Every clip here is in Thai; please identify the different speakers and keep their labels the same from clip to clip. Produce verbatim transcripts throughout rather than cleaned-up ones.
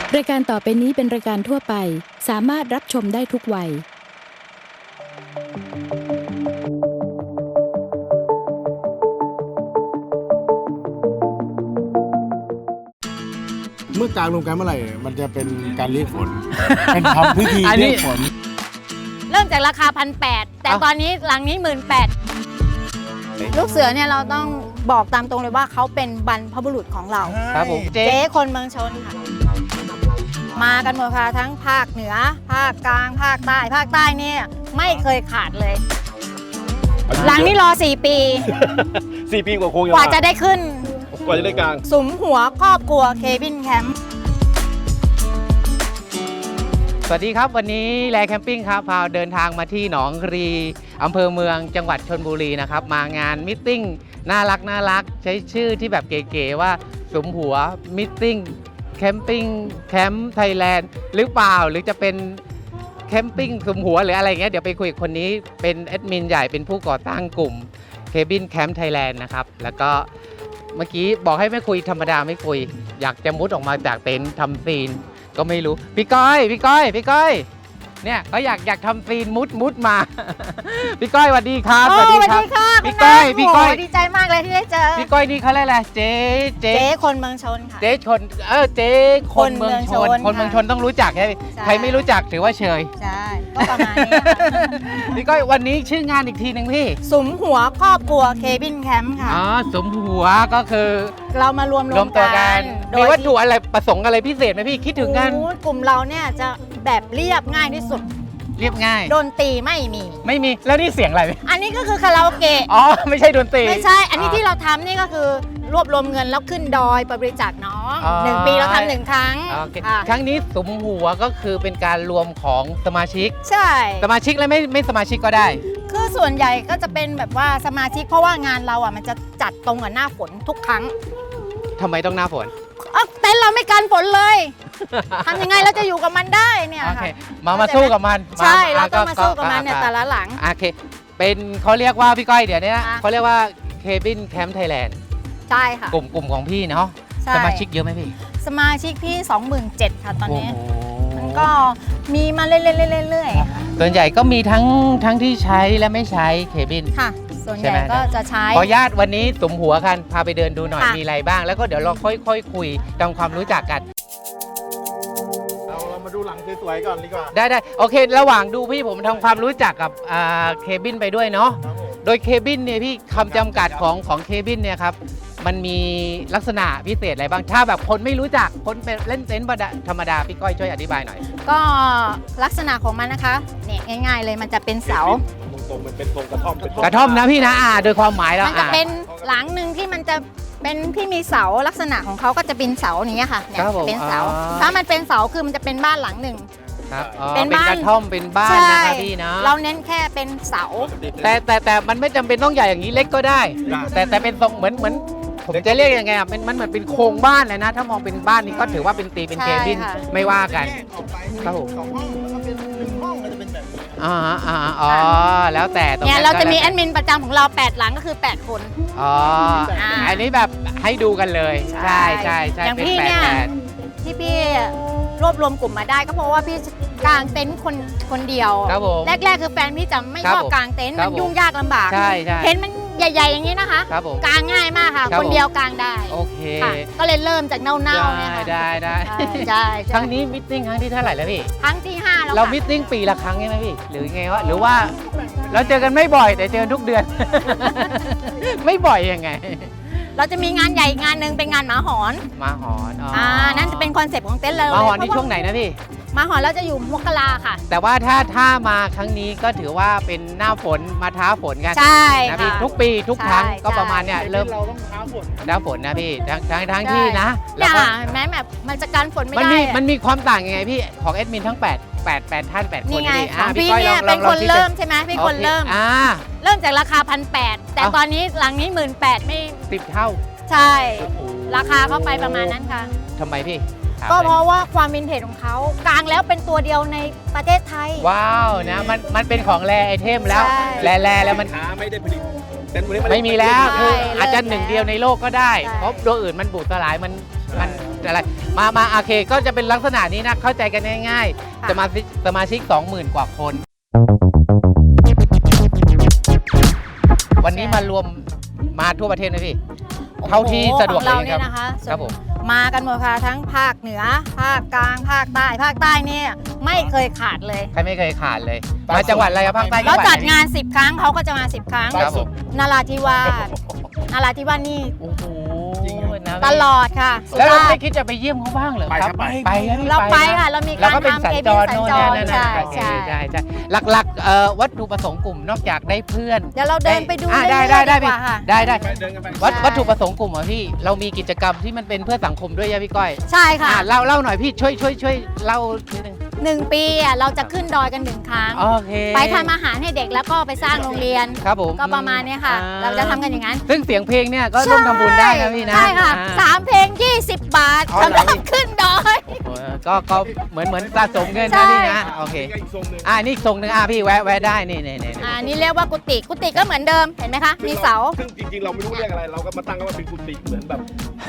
Speaker 1: รายการต่อไปนี้เป็นรายการทั่วไปสามารถรับชมได้ทุกวัย
Speaker 2: เมื่อกลางลงกันเมื่อไหร่มันจะเป็นการเรียกฝน เป็นทำพิธีเรียกฝน
Speaker 3: เริ่มจากราคาพันแปดแต่ตอนนี้หลังนี้หมื่นแปดลูกเสือเนี่ยเราต้องบอกตามตรงเลยว่าเขาเป็นบรรพบุรุษของเรา
Speaker 4: ครับผม
Speaker 3: เจ๊คนเมืองชนค่ะมากันหมดค่ะทั้งภาคเหนือภาคกลางภาคใต้ภาคใต้เนี่ยไม่เคยขาดเลย หลังนี้รอสี่ปี
Speaker 4: สี่ปีกว่าคง
Speaker 3: กว่าจะได้ขึ้น
Speaker 4: กว่าจะได้กลาง
Speaker 3: สุมหัวครอบครัวเคบินแคมป์
Speaker 4: สวัสดีครับวันนี้แลแคมปิ้งครับพาเดินทางมาที่หนองรีอำเภอเมืองจังหวัดชลบุรีนะครับมางานมิทติ้งน่ารักน่ารักใช้ชื่อที่แบบเก๋ๆว่าสุมหัวมิทติ้งแคมปิ้งแคมป์ไทยแลนด์หรือเปล่าหรือจะเป็นแคมปิ้งสุมหัวหรืออะไรเงี้ยเดี๋ยวไปคุยกับคนนี้เป็นแอดมินใหญ่เป็นผู้ก่อตั้งกลุ่มเคบินแคมป์ไทยแลนด์นะครับแล้วก็เมื่อกี้บอกให้ไม่คุยธรรมดาไม่คุยอยากจะมุดออกมาจากเต็นท์ทำซีนก็ไม่รู้พี่ก้อยพี่ก้อยพี่ก้อยเนี่ยก็อยากอยากทำซีนมุดมุดมาพี่ก้อยสวัสดีครับ
Speaker 3: สวัสดีครับ
Speaker 4: พี่ก้อยพี่ก้อย
Speaker 3: ดีใจมากเลยที่ได้เจอ
Speaker 4: พี่ก้อยนี่เขาเรียกอะไรเจ๊
Speaker 3: เจ๊คนเมืองชนค่ะ
Speaker 4: เจ๊ชนเออเจ๊คนเมืองชนคนเมืองชนต้องรู้จักใช่ไหมใครไม่รู้จักถือว่าเชย
Speaker 3: ใช่ก็ประมาณนี้
Speaker 4: พี่ก้อยวันนี้ชื่องานอีกทีหนึ่งพี่
Speaker 3: สุมหัวครอบครัวเคบินแคมป์ค่ะ
Speaker 4: อ๋อสุมหัวก็คือ
Speaker 3: เรามารวมรวม
Speaker 4: ตัวกันมีวัตถุอะไรประสงค์อะไรพิเศษไหมพี่คิดถึงกัน
Speaker 3: กลุ่มเราเนี่ยจะแบบเรียบง่ายที่สุด
Speaker 4: เรียบง่าย
Speaker 3: ดนตรีไม่มี
Speaker 4: ไม่มีแล้วนี่เสียงอะไร
Speaker 3: อันนี้ก็คือคาราโอเกะ
Speaker 4: อ๋อไม่ใช่ดนตรี
Speaker 3: ไม่ใช่อันนี้ที่เราทำนี่ก็คือรวบรวมเงินแล้วขึ้นดอยบริจาคน้องหนึ่งปีเราทำหนึ่งครั้ง
Speaker 4: ครั้งนี้สุมหัวก็คือเป็นการรวมของสมาชิก
Speaker 3: ใช่
Speaker 4: สมาชิกและไม่ไม่สมาชิกก็ได้
Speaker 3: คือส่วนใหญ่ก็จะเป็นแบบว่าสมาชิกเพราะว่างานเราอ่ะมันจะจัดตรงกับหน้าฝนทุกครั้ง
Speaker 4: ทำไมต้องหน้าฝน
Speaker 3: เต็นท์เราไม่กันฝนเลยทำยังไงเราจะอยู่กับมันได้เนี่ย
Speaker 4: ค่ะมามาสู้กับมัน
Speaker 3: ใช่เราต้องมาสู้กับมันเนี่ยแต่ละหลัง
Speaker 4: โอเคเป็นเขาเรียกว่าพี่ก้อยเดี๋ยวนี้เขาเรียกว่าเคบินแคมป์ไทยแลนด์
Speaker 3: ใช่ค่ะ
Speaker 4: กลุ่มกลุ่มของพี่เนาะสมาชิกเยอะไหมพี่
Speaker 3: สมาชิกพี่ สองหมื่นเจ็ดพัน ค่ะตอนนี้มันก็มีมาเรื่อยๆ
Speaker 4: ส่วนใหญ่ก็มีทั้งทั้งที่ใช้และไม่ใช้เคบิน
Speaker 3: ค่ะส่วนใหญ่ก็จะใช้
Speaker 4: ขออนุญาตวันนี้สุมหัวกันพาไปเดินดูหน่อยมีอะไรบ้างแล้วก็เดี๋ยวเราค่อยๆ ค, คุยทำความรู้จักกัน
Speaker 2: เราเรามาดูหลังสวยๆก่อนดีกว่า
Speaker 4: ได้ได้โอเคระหว่างดูพี่ผมทำความรู้จักกับเคบินไปด้วยเนาะโดยเคบินเนี่ยพี่คำจำกัดของของเคบินเนี่ยครับมันมีลักษณะพิเศษอะไรบ้างถ้าแบบคนไม่รู้จักคนเป็นเล่นเต็นท์ธรรมดาพี่ก้อยช่วยอธิบายหน่อย
Speaker 3: ก็ลักษณะของมันนะคะเนี่ยง่ายๆเลยมันจะเป็นเสา
Speaker 2: ตรงมันเป็นทรงกระท่อม
Speaker 4: กระท่อมนะพี่นะอ่าโดยความหมายแล้ว
Speaker 3: มันจะเป็นหลังหนึ่งที่มันจะเป็นที่มีเสาลักษณะของเขาก็จะเป็นเสาอย่างเงี้ยค่ะเนี่ยเป็นเสาถ้ามันเป็นเสาคือมันจะเป็นบ้านหลังหนึ่ง
Speaker 4: ครับเป็นกระท่อมเป็นบ้านนะคะพี่นะ
Speaker 3: เราเน้นแค่เป็นเสา
Speaker 4: แต่แต่แต่มันไม่จำเป็นต้องใหญ่อย่างนี้เล็กก็ได้แต่แต่เป็นทรงเหมือนเหมือนผมจะเรียกยังไงอ่ะมันมันเหมือนเป็นโครงบ้านเลยนะถ้ามองเป็นบ้านนี่ก็ถือว่าเป็นตีเป็นเคบินไม่ว่ากัน
Speaker 2: ครับผมสองห้องแล้วก็เป็นหนึ่งห้องก็จะเป็นแบบนี้
Speaker 4: อ่าอ่าอ๋อแล้วแต่ตรง
Speaker 3: นี้เนี่ยเราจะมีแอดมินประจำของเราแปดหลังก็คือแปดคน
Speaker 4: อ๋ออันนี้แบบให้ดูกันเลยใช่ใช่ใช่
Speaker 3: อย่างพี่เนี่ยที่พี่รวบรวมกลุ่มมาได้ก็เพราะว่าพี่กางเต็นท์คนคนเดียวแรกๆคือแฟนพี่จะไม่ชอบกางเต็นท์มันยุ่งยากลำบากเห็นมันใหญ่ๆอย่างนี้นะคะกางง่ายมากค่ะคนเดียวกางได้
Speaker 4: โอเค
Speaker 3: ก็เลยเริ่มจากเน่าๆเนี่ยค่ะ
Speaker 4: ได้ได้
Speaker 3: ใช่
Speaker 4: ครั้งนี้มิทติ้งครั้งที่เท่าไหร่แล้วพี่
Speaker 3: ครั้งที่ห้าแล้ว
Speaker 4: เรามิทติ้งปีละครั้งใช่ไหมพี่หรือไงวะหรือว่าเราเจอกันไม่บ่อยแต่เจอทุกเดือนไม่บ่อยยังไง
Speaker 3: เราจะมีงานใหญ่งานหนึ่งเป็นงานหมาหอน
Speaker 4: หมาหอน
Speaker 3: อ่านั่นจะเป็นคอนเซ็ปต์ของเต็นท์เรา
Speaker 4: หมาหอนในช่วงไหนนะพี่
Speaker 3: หมาหอนเราจะอยู่มกราค่ะ
Speaker 4: แต่ว่าถ้าถ้ามาครั้งนี้ก็ถือว่าเป็นหน้าฝนมาท้าฝนกัน
Speaker 3: ใช่
Speaker 4: นะพี่ทุกปีทุกครั้งก็ประมาณเนี้ย
Speaker 2: เริ่
Speaker 4: ม
Speaker 2: เราต้องท้าฝน
Speaker 4: ท้าฝนนะพี่ทั้งทั้งทั้งที่นะ
Speaker 3: แล้วก็แม้แบบมันจะกันฝนไม่ได้
Speaker 4: มันมีมันมีความต่างยังไงพี่ของแอดมินทั้งแปด แปด แปดท่านแปดคน
Speaker 3: นี่ไงพี่เนี่ยเป็นคนเริ่มใช่ไหมพี่คนเริ่ม
Speaker 4: อ่า
Speaker 3: เริ่มจากราคาพันแปดแต่ตอนนี้หลังนี้หมื่นแปดไม่
Speaker 4: สิบเท่า
Speaker 3: ใช่ราคาเข้าไปประมาณนั้นค่ะ
Speaker 4: ทำไมพี่
Speaker 3: ก็เพราะว่าความวินเทจของเขากลางแล้วเป็นตัวเดียวในประเทศไทย
Speaker 4: ว้าวนะมันมันเป็นของแรไอเทมแล้วแรแรแล้วมัน
Speaker 2: ไม่ได้ผลิต
Speaker 4: ไม่มีแล้วคืออาจจะหนึ่งเดียวในโลกก็ได้เพราะตัวอื่นมันบูดสลายมันมันอะไรมามาโอเคก็จะเป็นลักษณะนี้นะเข้าใจกันง่ายๆสมาชิกสมาชิก สองหมื่น กว่าคน วันนี้มารวมมาทั่วประเทศไหมพี่เท่าที่สะดวก
Speaker 3: ของเรา
Speaker 4: เลยค
Speaker 3: เนี่
Speaker 4: รับ
Speaker 3: ยนะคะ
Speaker 4: ครับผม
Speaker 3: มากันหมดค่ะทั้งภาคเหนือ ภาคกลางภาคใต้ภาคใต้เนี่ยไม่เคยขาดเลย
Speaker 4: ใครไม่เคยขาดเลย มาจังหวัดอะไรครับภาคใต้
Speaker 3: เรา
Speaker 4: จังหวั
Speaker 3: จัด
Speaker 4: ไห
Speaker 3: งานสิบครั้งเขาก็จะมาสิบครั้ง
Speaker 4: ครับผม
Speaker 3: นาราธิวาสนาราธิวาสนี่
Speaker 4: โอ้โหนะ
Speaker 3: ตลอดค่ะ
Speaker 4: แล้วเรา
Speaker 3: สุราษฎ
Speaker 4: ไม่
Speaker 3: ร์
Speaker 4: คิดจะไปเยี่ยมเขาบ้างเหรอครับ
Speaker 2: ไป
Speaker 4: ไป
Speaker 2: ครับ
Speaker 4: ครับพี่
Speaker 3: เราไป
Speaker 4: น
Speaker 3: ค่ะเรามี
Speaker 4: แล้ว
Speaker 3: การ
Speaker 4: ก็เป็น
Speaker 3: ทำ
Speaker 4: สัญ
Speaker 3: เค
Speaker 4: จ
Speaker 3: บิน
Speaker 4: ร
Speaker 3: สัญ
Speaker 4: โน่น
Speaker 3: จ
Speaker 4: นี่
Speaker 3: ร
Speaker 4: นั่น
Speaker 3: ใช่
Speaker 4: โอเค
Speaker 3: ใช่
Speaker 4: ใช่ใช่หลักๆเอ่อวัตถุประสงค์กลุ่มนอกจากได้เพื่อน
Speaker 3: เดี๋ยวเราเดินไปดู
Speaker 4: อ่ะ
Speaker 3: เรื่
Speaker 4: ได้
Speaker 3: อยๆ
Speaker 4: ได้
Speaker 3: ดี
Speaker 4: ได้
Speaker 3: กว่าค่ะ
Speaker 4: ได้ได้
Speaker 2: เดินกันไป
Speaker 4: วัต
Speaker 3: ใช่
Speaker 4: วัตถุประสงค์กลุ่มเหรอพี่เรามีกิจกรรมที่มันเป็นเพื่อสังคมด้วยยะพี่ก้อย
Speaker 3: ใช่ค่ะ
Speaker 4: อ่ะเล่าเล่าหน่อยพี่ช่วยช่วยช่วยเล่านิดนึง
Speaker 3: หนึ่งปีอ่ะเราจะขึ้นดอยกันหนึ่งครั้ง
Speaker 4: โอเค
Speaker 3: ไปทำอาหารให้เด็กแล้วก็ไปสร้างโรงเรียน
Speaker 4: ครับผม
Speaker 3: ก็ประมาณเนี้ยค่ะ
Speaker 4: อ่
Speaker 3: เราจะทำกันอย่างนั้น
Speaker 4: ซึ่งเสียงเพลงเนี่ยก็ร่วมทำบุญได้นะพี่นะ
Speaker 3: ใช่ค่ะ
Speaker 4: อ่า
Speaker 3: สามเพลงยี่สิบบาท
Speaker 4: อ๋อ
Speaker 3: สำห
Speaker 4: เหรอ
Speaker 3: รับขึ้นดอย
Speaker 4: โอ้ยก็ก็เหมือนเหมือนสะสมเงิน
Speaker 3: ใช่
Speaker 4: นะพี่นะโอเค
Speaker 2: อีกทรงหนึ่ง
Speaker 4: อ่านี่อีกทรงหนึ่งอ่ะพี่แวะแวะได้นี่นี่นี่
Speaker 3: อ่านี่เรียกว่ากุฏิกุฏิก็เหมือนเดิมเห็นไหมคะมีเสา
Speaker 2: ซึ่งจริงๆเราไม่รู้เรียกอะไร เราก็มาตั้งกันว่าเป็นกุฏิเหมือนแบบ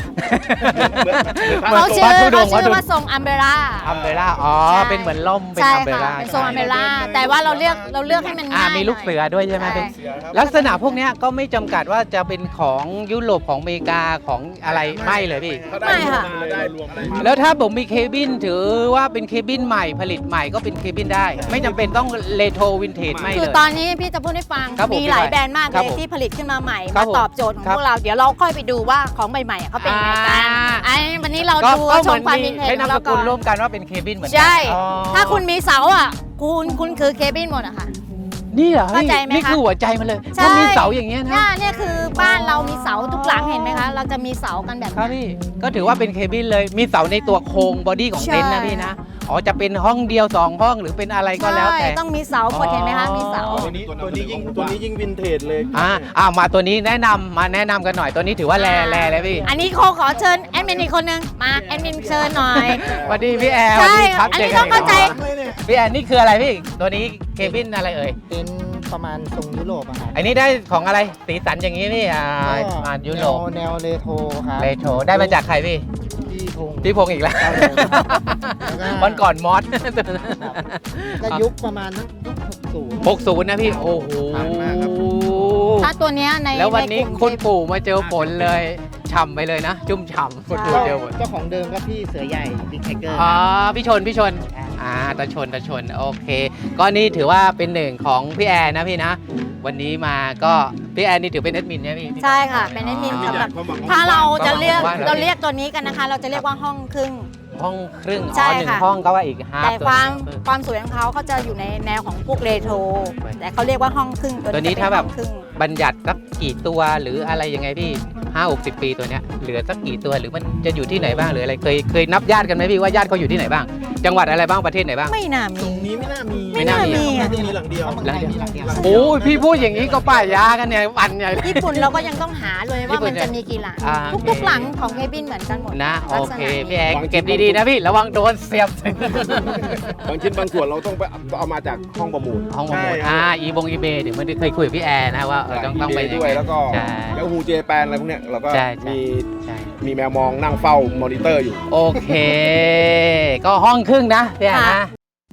Speaker 3: เขาชื่อ
Speaker 4: วัดธุด
Speaker 3: เขา
Speaker 4: งค์วัด
Speaker 3: ชื่
Speaker 4: ธุ
Speaker 3: อ
Speaker 4: ดงค์
Speaker 3: ว่าทรงอัมเบร่า
Speaker 4: อัมเบร่าอ๋อ
Speaker 3: ใช่
Speaker 4: เป็นเหมือนล่มเป็น
Speaker 3: ใช่
Speaker 4: อัมเบ
Speaker 3: ค่ะ
Speaker 4: ร่า
Speaker 3: เป็นทรงอัมเบร่าแต่ว่าเราเลือกเราเลือกให้มันง่าย
Speaker 4: อ่ามีลูกเสือด้วยใช่ไหม
Speaker 3: ใช่
Speaker 4: เป็นลักษณะพวกเนี้ยก็ไม่จำกัดว่าจะเป็นของยุโรปของอเมริกาของอะไรไม่เลยพี่
Speaker 2: ได้รวมมาได้รวมได้
Speaker 4: แล้วถ้าผมมีเคบินถือว่าเป็นเคบินใหม่ผลิตใหม่ก็เป็นเคบินได้ ไม่จำเป็นต้องเรโทรวินเทจไม่
Speaker 3: คือ
Speaker 4: เลย
Speaker 3: ตอนนี้พี่จะพูดให้ฟัง
Speaker 4: ครับผม
Speaker 3: มีหลายแบรนด์มาก
Speaker 4: ครั
Speaker 3: เล
Speaker 4: บ
Speaker 3: ย
Speaker 4: ผม
Speaker 3: ที่ผลิตขึ้นมาใหม่
Speaker 4: ครั
Speaker 3: มา
Speaker 4: บผม
Speaker 3: ตอบโจทย์ของ
Speaker 4: ครับ
Speaker 3: พวกเราเดี๋ยวเราค่อยไปดูว่าของใหม่ๆอ่ะเขาเป็นยังไงกัน
Speaker 4: อ่า
Speaker 3: ไอ้วันนี้เรา
Speaker 4: ก็
Speaker 3: ดู
Speaker 4: ก็
Speaker 3: ช
Speaker 4: เหมื
Speaker 3: ม
Speaker 4: อน
Speaker 3: ความ
Speaker 4: มี
Speaker 3: วินเทจ
Speaker 4: ใช้
Speaker 3: ของ
Speaker 4: นามส
Speaker 3: เรา
Speaker 4: กุ
Speaker 3: ก่
Speaker 4: ล
Speaker 3: อน
Speaker 4: ร่วมกันว่าเป็นเคบินเหมือนกั
Speaker 3: ใช่
Speaker 4: อ๋อ
Speaker 3: ถ้าคุณมีเสาอ่ะคุณคุณคือเคบินหมดอะค่ะ
Speaker 4: นี่เหรอ
Speaker 3: เข้าใจไหมคะ
Speaker 4: นี่คือหัวใจมันเลย
Speaker 3: ใช่
Speaker 4: ถ้ามีเสาอย่างเงี้ยนะ
Speaker 3: เนี่ยเนี่ยคือบ้านเรามีเสาทุกหลังเห็นไหมคะ เราจะมีเสากันแบบ
Speaker 4: ครับ
Speaker 3: นี้
Speaker 4: พี่ก็ถือว่าเป็นเคบินเลยมีเสาในตัวโครงบอดี้ของ
Speaker 3: ใช่
Speaker 4: เต็นท์นะพี่นะอ๋อจะเป็นห้องเดียวสองห้องหรือเป็นอะไรก็แล้วแต่
Speaker 3: ใช่ต้องมีเสาหมดเห็นไหมคะมีเสา
Speaker 2: ตัวนี้ตัวนี้ยิ่งตัวนี้ยิ่งวินเทจเลย
Speaker 4: อ่าอ่ามาตัวนี้แนะนำมาแนะนำกันหน่อยตัวนี้ถือว่าแลแลเลยพี่
Speaker 3: อันนี้โคขอเชิญแอดมินอีกคนนึงมาแอดมินเชิญหน่อย
Speaker 4: สวัสดีพี่แอร์ส
Speaker 3: ใช่
Speaker 4: วัสดีครับ
Speaker 3: อันนี้
Speaker 4: จกั
Speaker 3: ต้องเข้าใจ
Speaker 4: กพี่แอร์นี่คืออะไรพี่ตัวนี้เคบินอะไรเอ่ย
Speaker 5: เป็นประมาณทรงยุโรปอะครับ
Speaker 4: อันนี้ได้ของอะไรสีสันอย่างนี้พี่อ่า
Speaker 5: ก็
Speaker 4: มายุโรป
Speaker 5: แนวแนวเรโทรครับ
Speaker 4: เลโทรได้มาจากใครพี่
Speaker 5: ที่พงศ์
Speaker 4: พี่พงษ์อีกแล้ว
Speaker 5: ครับผม แล้วก็
Speaker 4: วันก่อนมอส
Speaker 5: ก็ยุคประมาณยุคหกศูนย์
Speaker 4: หกศูนย์นะพี่โอ้โห
Speaker 5: ผ่านมากครับ
Speaker 3: ถ้าตัวเนี้ยใน
Speaker 4: แล้ววันนี้
Speaker 3: ใกลุ่ม
Speaker 4: คุณ
Speaker 3: ที่
Speaker 4: ปู่มาเจอฝนเลยฉ่ำไปเลยนะ จุ่มฉ่ำคุณปู่เจอฝน
Speaker 5: เจ้าของเดิมก็พี่เสือใหญ่บิ๊กไทเกอร์
Speaker 4: อ๋อพี่ชนพี่ชนอ่าตาชนตาชนโอเค ก็นี่ถือว่าเป็นหนึ่งของพี่แอนนะพี่นะ วันนี้มาก็พี่แอนนี่ถือเป็นแอดมินใช่ไหมพี่
Speaker 3: ใช่ค่ะ เป็นแอดมิน
Speaker 2: มี
Speaker 3: สำห
Speaker 2: อยา
Speaker 3: รับ
Speaker 2: กความหวัง
Speaker 3: ถ้าเราจะเรียก
Speaker 4: ว่าเรา
Speaker 3: เราเรียกตัวนี้กันนะคะ เราจะเรียกว่าห้องครึ่ง
Speaker 4: ห้องครึ่ง
Speaker 3: ใช่
Speaker 4: อ๋อหนึ่ง
Speaker 3: ค่ะ
Speaker 4: ห้องก็ว่าอีกห้า
Speaker 3: แต่ความความสวยของเขาเขาจะอยู่ในแนวของพวกเรโทรแต่เขาเรียกว่าห้องครึ่ง
Speaker 4: ตัวนี้
Speaker 3: จะเป็
Speaker 4: ถ้าแบบ
Speaker 3: ห้องครึ่ง
Speaker 4: บัญญัติสักกี่ตัวหรืออะไรยังไงพี่ห้าหกสิบปีตัวเนี้ยเหลือสักกี่ตัวหรือมันจะอยู่ที่ไหนบ้างหรืออะไรเคยเคยนับญาติกันไหมพี่ว่าญาติเขาอยู่ที่ไหนบ้าง จังหวัดอะไรบ้างประเทศไหนบ้าง
Speaker 3: ไม่น่ามี
Speaker 2: ตรงนี้ไม่น่ามี
Speaker 3: ไม่น่ามี
Speaker 2: น่าจะมีหลังเดียว
Speaker 5: หลังเดียวหลังเดียว
Speaker 4: โอ้ยพี่พูดอย่างนี้ก็ป้ายยากันเนี่ยวันใหญ่เลย
Speaker 3: ญี่ปุ่นเราก็ยังต้องหาเลย
Speaker 4: ญี่
Speaker 3: ว่า
Speaker 4: ปุ่
Speaker 3: มัน นจะมีกี่หลัง
Speaker 4: อ่า
Speaker 3: ทุกๆหลังของเคบินเหมือนกันหมด
Speaker 4: นะโอ
Speaker 3: ลักษ
Speaker 4: เค
Speaker 3: ณะนี้
Speaker 4: พี่แอนเก็บดีๆนะพี่ระวังโดนเสียบบ
Speaker 2: างชิ้นบางส่วนเราต้องไปเอามาจากห้องประมูล
Speaker 4: ห้องประมูลอ่าอีบงอีเบเดี๋ยวมันเคยคุยกับพี่แอนนะว่าเออต้องต้องไป
Speaker 2: ด้วย แล้วก็
Speaker 4: ใช่
Speaker 2: แล้วฮูเจแปนอะไรพวกเนี้ยเราก็
Speaker 4: ใช่ใช่
Speaker 2: มี
Speaker 4: ใช่
Speaker 2: มีแมวมองนั่งเฝ้ามอนิเตอร์อยู่
Speaker 4: โอเค ก็ห้องครึ่งนะพี่แอนนะ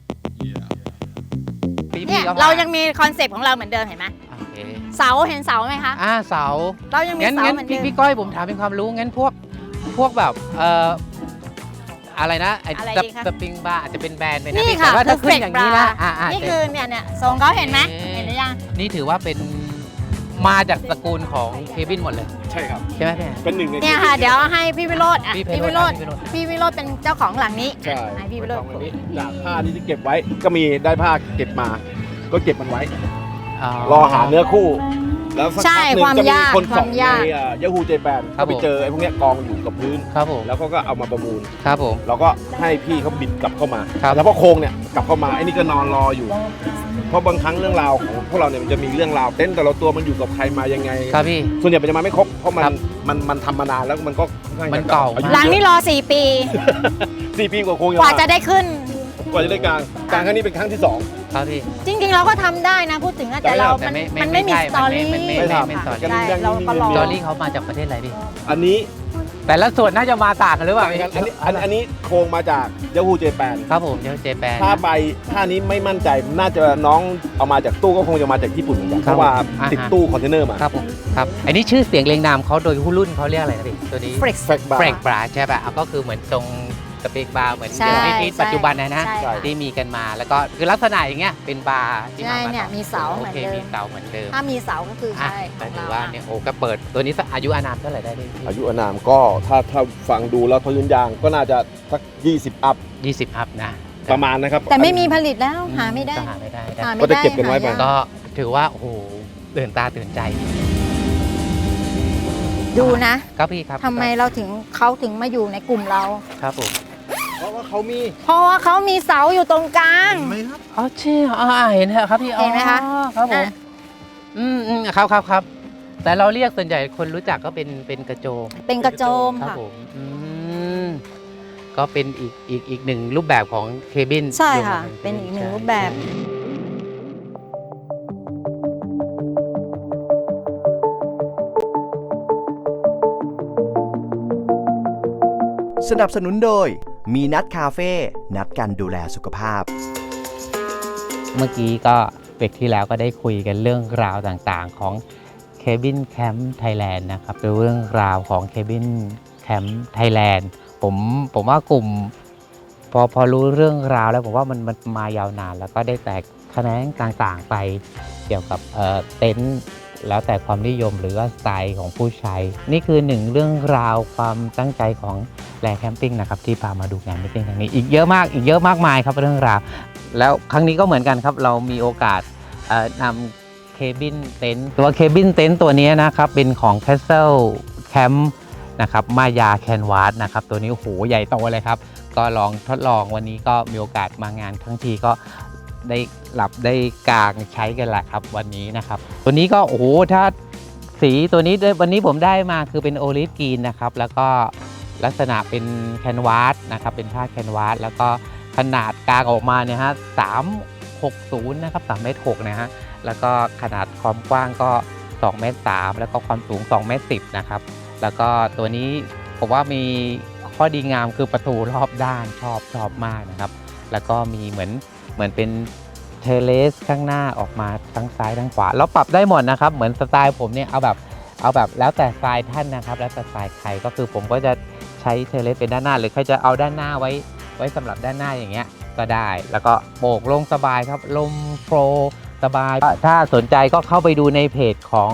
Speaker 4: พี่
Speaker 3: เนี่ย
Speaker 4: พี่ก็
Speaker 3: เรายังมีคอนเซปต์ของเราเหมือนเดิมเห็นไหม
Speaker 4: โอเค
Speaker 3: เสาเห็นเสาไหมคะ
Speaker 4: อ่าเสา
Speaker 3: เรายังมี
Speaker 4: งั้น
Speaker 3: เสา
Speaker 4: งั้น
Speaker 3: เหมือนเดิ
Speaker 4: พี่
Speaker 3: ม
Speaker 4: พี่ก้อยผมถามเป็นความรู้งั้นพวกพวกแบบเอ่ออะไรนะไอ้
Speaker 3: อะไร
Speaker 4: ส
Speaker 3: ดีคะ
Speaker 4: สปริงบาร์อาจจะเป็นแบรนด์ไปนะ
Speaker 3: นี่
Speaker 4: พี่
Speaker 3: ค่ะ
Speaker 4: แต่ว่าถ้าขึ้น
Speaker 3: Perfect
Speaker 4: อย่างนี้นะ
Speaker 3: Bra
Speaker 4: อ่าอ่า
Speaker 3: นี่คือเนี่ยเนี่ยทรงเขาเห็นไหม
Speaker 4: เอ๊ะ
Speaker 3: เห็นหรือยัง
Speaker 4: นี่ถือว่าเป็นมาจากตระกูลของเควินหมดเลย
Speaker 2: ใช่ครับ
Speaker 4: ใช่ไหมพี่แอน
Speaker 2: เป็นหนึ่งใน
Speaker 3: เนี่ยค่ะ เดี๋ยวให้พี่วิโรจน์อ่ะ
Speaker 4: พี่
Speaker 3: พี่
Speaker 4: วิ
Speaker 3: วิ
Speaker 4: โร
Speaker 3: โร
Speaker 4: จ
Speaker 3: จ
Speaker 4: น์
Speaker 3: น์พี่วิโรจน์เป็นเจ้าของหลังนี้
Speaker 2: ใช่
Speaker 3: ให้พี่วิโรจน์
Speaker 2: ตรงนี้จากผ้าที่เก็บไว้ก็มีได้ผ้าเก็บมา ก็เก็บมันไว้ รอหาเนื้อคู่ แล้วสัก
Speaker 3: ใช่
Speaker 2: พักหนึ่งจะมี
Speaker 3: ความยาก
Speaker 2: คน
Speaker 3: ควา
Speaker 2: ส่อง
Speaker 3: ม
Speaker 2: ใน
Speaker 3: ยาก
Speaker 2: ยาฮูเจแปน
Speaker 4: ครั
Speaker 2: ก็
Speaker 4: บ
Speaker 2: ไป
Speaker 4: ผม
Speaker 2: เจอไอ้พวกเนี้ยกองอยู่กับพื้น
Speaker 4: ครับผม
Speaker 2: แล้วเขาก็เอามาประมูล
Speaker 4: ครับผม
Speaker 2: เราก็ให้พี่เขาบิดกลับเข้ามา
Speaker 4: ครับ
Speaker 2: แล้วพอโครงเนี่ยกลับเข้ามาไอ้นี่ก็นอนรออยู่ เพราะบางครั้งเรื่องราวของพวกเราเนี่ยมันจะมีเรื่องราวเต้นแต่ละตัวมันอยู่กับใครมายังไง
Speaker 4: ครับพี่
Speaker 2: ส่วนใหญ่มันจะมาไม่ครบเพราะมัน
Speaker 4: ครับ
Speaker 2: มันมันทำมานานแล้วมันก็ค่อข้ง
Speaker 4: มันเก่า
Speaker 2: อยุ
Speaker 3: หลังนี้รอสี่ปี
Speaker 2: สี่ปีกว่าโครง
Speaker 3: กว่าจะได้ขึ้น
Speaker 2: กว่าจะได้กลางกลางครั้งนี้เป็นครั้งที่สอง
Speaker 4: ครับพี่
Speaker 3: จริงๆ เราก็ทำได้นะพูดถึงนะแต่เรา
Speaker 4: แต่
Speaker 3: มัน
Speaker 4: ไม่ไม่
Speaker 3: มันไม่มี
Speaker 4: ไม่
Speaker 3: ส
Speaker 4: ใช่
Speaker 3: ตอรี่
Speaker 4: มันไม่ไม่ไม่ไม่
Speaker 3: ค่ะ
Speaker 4: สตอรี่
Speaker 3: ใช่เราก็รอ
Speaker 4: จอรี่เขามาจากประเทศอะไรพี่
Speaker 2: อันนี้
Speaker 4: แต่ละส่วนน่าจะมาต่างกันหรือเปล่า
Speaker 2: อันนี้อันอันนี้โครงมาจากยาฮูเจแปน
Speaker 4: ครับผมเจเจแปน
Speaker 2: ถ้าไปถ้านี้ไม่มั่นใจน่าจะน้องเอามาจากตู้ก็คงจะมาจากญี่ปุ่นเหมือนกันเพราะว่าติดตู้คอนเทนเนอร์มา
Speaker 4: ครับผมครับอันนี้ชื่อเสียงเรียงนามเขาโดยผู้รุ่นเขาเรียกอะไรนะพี่ตัวนี้
Speaker 3: Frex
Speaker 2: แฟกบา
Speaker 4: เบรก
Speaker 2: ร์
Speaker 4: บราใช่ป่ะอ่ะก็คือเหมือนทรงสเปกบาร์เหมือน
Speaker 3: ใช่
Speaker 4: เดี๋ยวนี้
Speaker 3: ใช่
Speaker 4: ปัจจุบันนะนะ
Speaker 3: ใช่ค่ะ
Speaker 4: ที่มีกันมาแล้วก็คือลักษณะอย่างเงี้ยเป็นบาร์ที่
Speaker 3: ใช่
Speaker 4: มา
Speaker 3: เนี่ยมีเสาเห
Speaker 4: โอ
Speaker 3: มือน
Speaker 4: เค
Speaker 3: เดิ
Speaker 4: มี
Speaker 3: ม
Speaker 4: เสาเหมือนเดิม
Speaker 3: ถ้ามีเสาก็คือ
Speaker 4: อ่ะ
Speaker 3: ใช่ข
Speaker 4: แต่
Speaker 3: อง
Speaker 4: ถือ
Speaker 3: เรา
Speaker 4: ว่า
Speaker 3: อะ
Speaker 4: เนี่ยโอ้ก็เปิดตัวนี้สักอายุอานามเท่าไหร่ได้พี่
Speaker 2: อายุอานามก็ถ้าถ้าฟังดูแล้วพื้นยางก็น่าจะสักยี่สิบอัพ
Speaker 4: ยี่สิบอัพนะ
Speaker 2: ประมาณนะครับ
Speaker 3: แต่ไม่มีผลิตแล้วหาไม่ได้
Speaker 4: ก็หาไม่ได้นะ
Speaker 3: หาไม่
Speaker 2: ก็
Speaker 3: ได้
Speaker 2: จะเก็บกันไว้ไป
Speaker 3: หายาก
Speaker 4: ก็ถือว่าโอ้โหตื่นตาตื่นใจ
Speaker 3: ดูนะ
Speaker 4: ครับพี่ครับ
Speaker 3: ทำไมเราถึงเขาถึงมาอยู่ในกลุ่มเรา
Speaker 4: ครับผม
Speaker 5: เพราะว่าเขามี
Speaker 3: เพราะว่าเขามีเสาอยู่ตรงกลาง
Speaker 5: เห็นไหมครับ
Speaker 4: อ๋อใช่อ่าเห็นเหรอครับพี่
Speaker 3: เห็นไหมคะ
Speaker 4: อ๋อครับผม
Speaker 3: อ่ะ
Speaker 4: อืมอืมครับครับครับแต่เราเรียกส่วนใหญ่คนรู้จักก็เป็นเป็นกระโจม
Speaker 3: เป็นกระโจม
Speaker 4: ครับ
Speaker 3: ค่ะ
Speaker 4: ผมอืมก็เป็นอีกอีกอีกหนึ่งรูปแบบของเคบิน
Speaker 3: ใช่ค่ะ
Speaker 4: อยู่
Speaker 3: เป็นอีกหนึ่ง
Speaker 4: ใช่
Speaker 3: รูปแบบ
Speaker 6: สนับสนุนโดยมีนัดคาเฟ่นัดกันดูแลสุขภาพ
Speaker 4: เมื่อกี้ก็เบรกที่แล้วก็ได้คุยกันเรื่องราวต่างๆของ Cabin Camp Thailand นะครับเป็นเรื่องราวของ Cabin Camp Thailand ผมผมว่ากลุ่มพอพอรู้เรื่องราวแล้วผมว่ามันมันมายาวนานแล้วก็ได้แตกแขนงต่างๆไปเกี่ยวกับเอ่อเต็นท์แล้วแต่ความนิยมหรือว่าสไตล์ของผู้ใช้ นี่คือหนึ่งเรื่องราวความตั้งใจของแลแคมปิ้งนะครับที่พามาดูงานมิทติ้งครั้งนี้อีกเยอะมากอีกเยอะมากมายครับเรื่องราวแล้วครั้งนี้ก็เหมือนกันครับเรามีโอกาสเอ่อนำเคบินเต็นท์ตัวเคบินเต็นท์ตัวนี้นะครับเป็นของ Castle Camp นะครับมายาแคนวาสนะครับตัวนี้โอ้โหใหญ่โตเลยครับก็ลองทดลองวันนี้ก็มีโอกาสมางานทั้งทีก็ได้หลับได้กางใช้กันแหละครับวันนี้นะครับตัวนี้ก็โอ้โหถ้าสีตัวนี้วันนี้ผมได้มาคือเป็นโอลิฟกรีนนะครับแล้วก็ลักษณะเป็นแคนวาสนะครับเป็นผ้าแคนวาสแล้วก็ขนาดกางออกมาเนี่ยฮะสามหกศูนย์นะครับสามเมตรหกนะฮะแล้วก็ขนาดความกว้างก็สองเมตรสามแล้วก็ความสูงสองเมตรสิบนะครับแล้วก็ตัวนี้ผมว่ามีข้อดีงามคือประตูรอบด้านชอบชอบมากนะครับแล้วก็มีเหมือนเหมือนเป็นเทเลสข้างหน้าออกมาทั้งซ้ายทั้งขวาแล้วปรับได้หมดนะครับเหมือนสไตล์ผมเนี่ยเอาแบบเอาแบบแล้วแต่สไตล์ท่านนะครับแล้วแต่สไตล์ใครก็คือผมก็จะใช้เทเลสเป็นด้านหน้าหรือใครจะเอาด้านหน้าไว้ไว้สำหรับด้านหน้าอย่างเงี้ยก็ได้แล้วก็โบกลงสบายครับลมโฟลว์สบายถ้าสนใจก็เข้าไปดูในเพจของ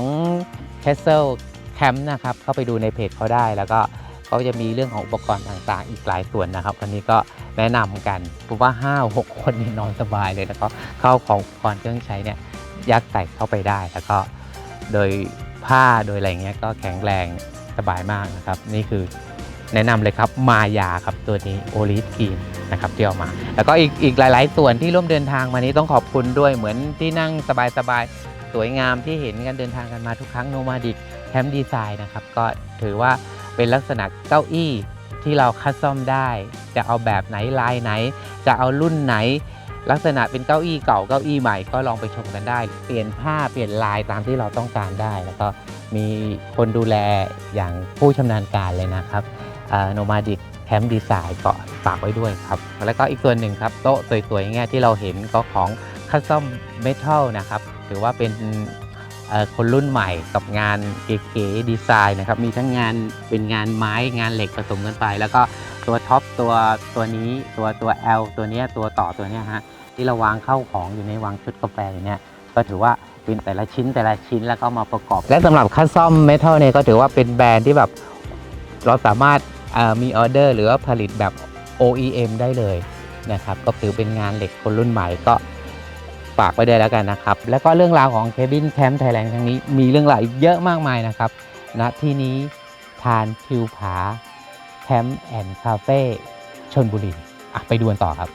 Speaker 4: Castle Camp นะครับเข้าไปดูในเพจเขาได้แล้วก็เขาจะมีเรื่องของอุปกรณ์ต่างๆอีกหลายส่วนนะครับวันนี้ก็แนะนำกันผมว่า ห้าหก คนนี่นอนสบายเลยแล้วก็เข้าของอุปกรณ์เครื่องใช้เนี่ยยัดใส่เข้าไปได้แล้วก็โดยผ้าโดยอะไรเงี้ยก็แข็งแรงสบายมากนะครับนี่คือแนะนำเลยครับมายาครับตัวนี้โอลิฟกรีนนะครับที่เอามาแล้วก็อีกอีกหลายๆส่วนที่ร่วมเดินทางมานี้ต้องขอบคุณด้วยเหมือนที่นั่งสบายๆสวยงามที่เห็นกันเดินทางกันมาทุกครั้งโนมาดิกแคมป์ดีไซน์นะครับก็ถือว่าเป็นลักษณะเก้าอี้ที่เราคัสตอมได้จะเอาแบบไหนลายไหนจะเอารุ่นไหนลักษณะเป็นเก้าอี้เก่าเก้าอี้ใหม่ก็ลองไปชมกันได้เปลี่ยนผ้าเปลี่ยนลายตามที่เราต้องการได้แล้วก็มีคนดูแลอย่างผู้ชำนาญการเลยนะครับโนมาดิกแคมป์ดีไซน์ก็ฝากไว้ด้วยครับแล้วก็อีกส่วนหนึ่งครับโต๊ะสวยๆอย่างเงี้ยที่เราเห็นก็ของคัสตอมเมทัลนะครับถือว่าเป็นคนรุ่นใหม่กับงานเก๋ๆดีไซน์นะครับมีทั้งงานเป็นงานไม้งานเหล็กผสมกันไปแล้วก็ตัวท็อปตัวตัวนี้ตัวตัว L ตัวนี้ตัวต่อตัวนี้ฮะที่เราวางเข้าของอยู่ในวางชุดกาแฟอย่างเนี้ยก็ถือว่าเป็นแต่ละชิ้นแต่ละชิ้นแล้วก็มาประกอบและสำหรับคัสตอมเมทัลเนี่ยก็ถือว่าเป็นแบรนด์ที่แบบเราสามารถมีออเดอร์หรือว่าผลิตแบบ โอ อี เอ็ม ได้เลยนะครับก็ถือเป็นงานเหล็กคนรุ่นใหม่ก็ฝากไว้ได้แล้วกันนะครับแล้วก็เรื่องราวของ Cabin Camp Thailand ครั้งนี้มีเรื่องราวอีกเยอะมากมายนะครับณที่นี้ทานทิวผาแคมป์แอนด์คาเฟ่ชลบุรีอ่ะไปดูกันต่อครับ